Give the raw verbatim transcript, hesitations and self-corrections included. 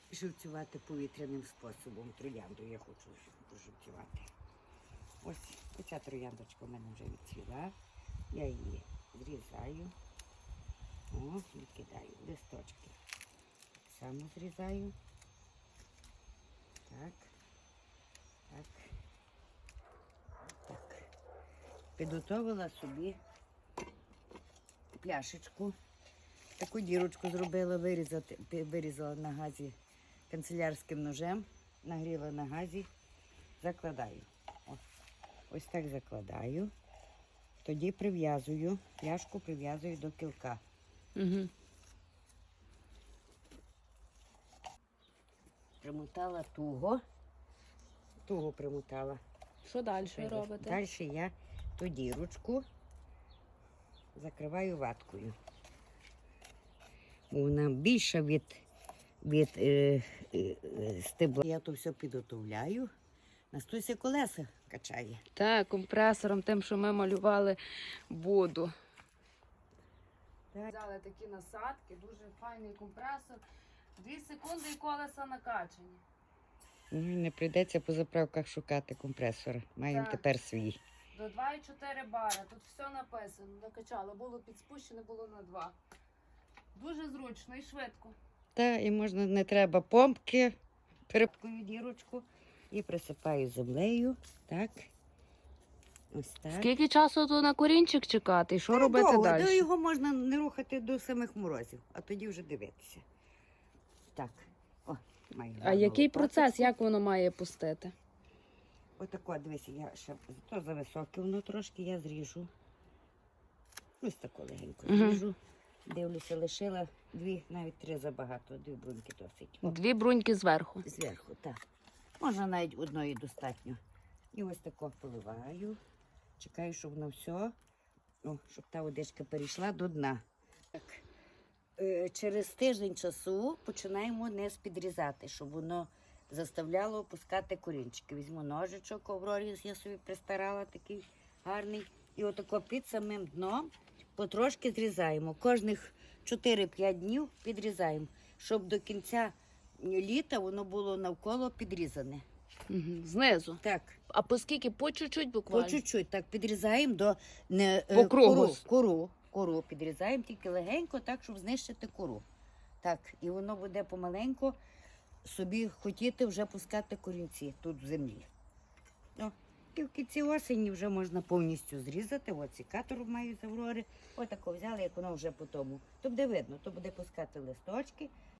Живцювати повітряним способом. Троянду я хочу поживцювати. Ось оця трояндочка в мене вже відцвіла. Я її зрізаю. О, відкидаю листочки. Так само зрізаю. Так. Так. Так. Підготовила собі пляшечку. Таку дірочку зробила, вирізати, вирізала на газі канцелярським ножем, нагріла на газі, закладаю. Ось, ось так закладаю. Тоді прив'язую, пляшку прив'язую до кілка. Угу. Примотала туго. Туго примотала. Що далі робите? Далі я ту дірочку закриваю ваткою. Бо вона більша від, від е, е, стебла. Я то все підготовляю. Настуся колеса качає. Так, компресором, тим, що ми малювали воду. Так. Взяли такі насадки, дуже файний компресор. Дві секунди і колеса накачані. Ну, не прийдеться по заправках шукати компресора. Маємо Так. тепер свій. До два і чотири бара. Тут все написано. Накачали. Було підспущене, було на два. Дуже зручно і швидко. Та, і можна, не треба помпки. Перепкую дірочку і присипаю землею. Так. Ось так. Скільки часу то на корінчик чекати? І що Та робити довго, далі? то його можна не рухати до самих морозів, а тоді вже дивитися. Так. О, маю А гарну який лопаточку. процес, як воно має пустити? Отако, дивися, я ще то за високе воно трошки, я зріжу. Ось тако легенько Мгм. зріжу. Дивлюся, лишила дві, навіть три забагато, дві бруньки досить. О, Дві бруньки зверху. зверху, так. Можна навіть одної достатньо. І ось тако поливаю. Чекаю, щоб воно все, о, щоб та водичка перейшла до дна. Так. Е, через тиждень часу починаємо низ підрізати, щоб воно заставляло опускати корінчики. Візьму ножичок, овроріз я собі пристарала, такий гарний. І отако під самим дном потрошки зрізаємо. Кожних чотири-п'ять днів підрізаємо, щоб до кінця літа воно було навколо підрізане. Угу. Знизу. Так, А по скільки? По чуть-чуть по буквально? чуть-чуть так підрізаємо до не, По е, кругу. кору, кору, кору підрізаємо тільки легенько, так, щоб знищити кору. Так, і воно буде помаленьку собі хотіти вже пускати корінці тут в землі. О, і в кінці осені вже можна повністю зрізати. Ось секатор маю з Аврори. Отако взяли, як воно вже по тому. То буде видно, то буде пускати листочки.